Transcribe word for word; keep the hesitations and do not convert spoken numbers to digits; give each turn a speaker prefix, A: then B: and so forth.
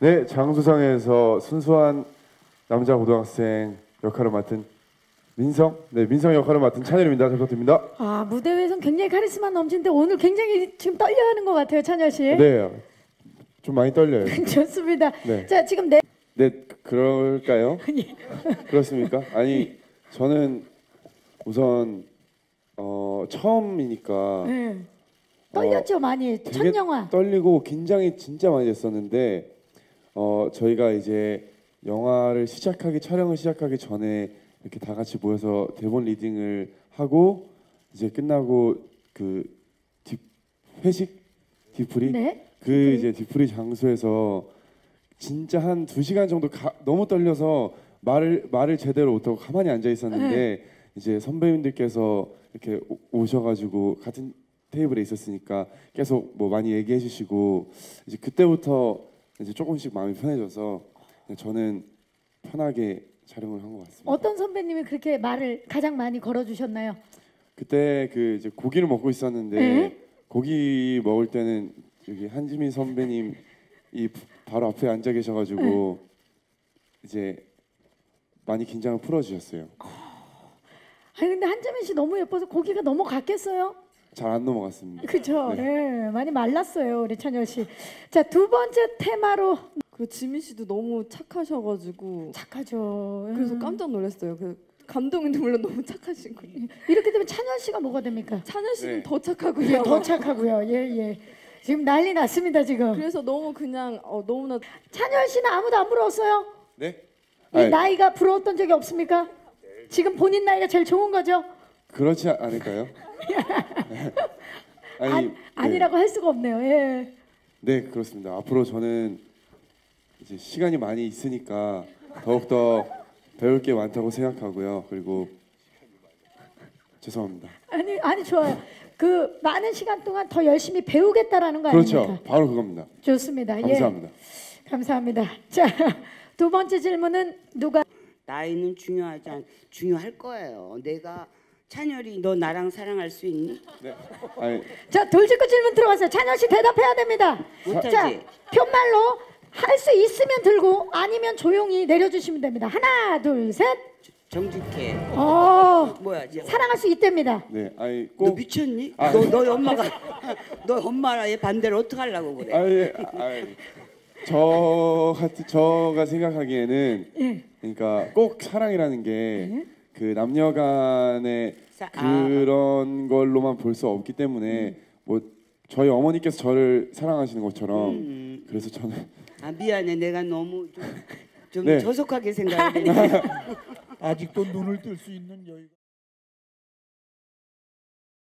A: 네, 장수성에서 순수한 남자 고등학생 역할을 맡은 민성, 네 민성 역할을 맡은 찬열입니다. 잘 부탁드립니다.
B: 아, 무대 위에선 굉장히 카리스마 넘치는데 오늘 굉장히 지금 떨려하는 것 같아요, 찬열 씨.
A: 네, 좀 많이 떨려요.
B: 좋습니다.
A: 네.
B: 자, 지금 네.
A: 네, 그럴까요? 그렇습니까? 아니, 저는 우선 어, 처음이니까
B: 네. 떨렸죠,
A: 어,
B: 많이. 첫
A: 되게
B: 영화.
A: 떨리고 긴장이 진짜 많이 됐었는데 어, 저희가 이제 영화를 시작하기 촬영을 시작하기 전에 이렇게 다 같이 모여서 대본 리딩을 하고 이제 끝나고 그 뒷, 회식 뒤풀이
B: 네.
A: 그
B: 뒤풀이.
A: 이제 뒤풀이 장소에서 진짜 한 두 시간 정도 가, 너무 떨려서 말을 말을 제대로 못하고 가만히 앉아 있었는데
B: 네.
A: 이제 선배님들께서 이렇게 오- 오셔가지고 같은 테이블에 있었으니까 계속 뭐 많이 얘기해 주시고 이제 그때부터 이제 조금씩 마음이 편해져서 저는 편하게 촬영을 한 것 같습니다.
B: 어떤 선배님이 그렇게 말을 가장 많이 걸어주셨나요?
A: 그때 그 이제 고기를 먹고 있었는데
B: 네.
A: 고기 먹을 때는 여기 한지민 선배님 이 바로 앞에 앉아 계셔가지고
B: 네.
A: 이제 많이 긴장을 풀어주셨어요.
B: 아니 근데 한재민 씨 너무 예뻐서 고기가 넘어갔겠어요?
A: 잘 안 넘어갔습니다.
B: 그죠?
A: 네.
B: 네. 많이 말랐어요, 우리 찬열 씨. 자, 두 번째 테마로
C: 그 지민 씨도 너무 착하셔가지고
B: 착하죠.
C: 그래서
B: 음.
C: 깜짝 놀랐어요. 그 감동인데 물론 너무 착하신 거예요.
B: 이렇게 되면 찬열 씨가 뭐가 됩니까?
C: 찬현 씨는
A: 네.
C: 더 착하고요.
B: 예, 더 착하고요. 예, 예. 지금 난리 났습니다, 지금.
C: 그래서 너무 그냥 어, 너무나
B: 찬열 씨는 아무도 안 부러웠어요?
A: 네?
B: 이
A: 아니,
B: 나이가 부러웠던 적이 없습니까? 지금 본인 나이가 제일 좋은 거죠?
A: 그렇지 않을까요? 아니,
B: 안,
A: 네.
B: 아니라고 할 수가 없네요. 예.
A: 네, 그렇습니다. 앞으로 저는 이제 시간이 많이 있으니까 더욱 더 배울 게 많다고 생각하고요. 그리고 죄송합니다.
B: 아니, 아니 좋아요. 그 많은 시간 동안 더 열심히 배우겠다라는 거
A: 그렇죠.
B: 아닙니까?
A: 바로 그겁니다.
B: 좋습니다.
A: 감사합니다.
B: 예. 감사합니다. 자, 두 번째 질문은 누가?
D: 나이는 중요하지 않 중요할 거예요. 내가 찬열이 너 나랑 사랑할 수 있니?
A: 네. 아니,
B: 자, 돌직구 질문 들어가세요. 찬열 씨 대답해야 됩니다.
D: 못하지.
B: 자, 편말로 할 수 있으면 들고 아니면 조용히 내려주시면 됩니다. 하나, 둘, 셋.
D: 정직해.
B: 어,
D: 뭐야, 이제
B: 사랑할 수 있답니다.
A: 네, 아니
D: 너
A: 꼭
D: 미쳤니?
A: 아,
D: 너 너희 엄마가 너 엄마의 반대로 어떻게 하려고 그래?
A: 아니, 아니, 저 같은 저가 생각하기에는
B: 예.
A: 그러니까 꼭 사랑이라는 게 그 남녀간의
D: 사- 아.
A: 그런 걸로만 볼 수 없기 때문에 뭐 저희 어머니께서 저를 사랑하시는 것처럼
D: 음.
A: 그래서 저는
D: 아 미안해, 내가 너무 좀, 좀
A: 네.
D: 저속하게 생각했네.
E: 아직도 눈을 뜰 수 있는 여유가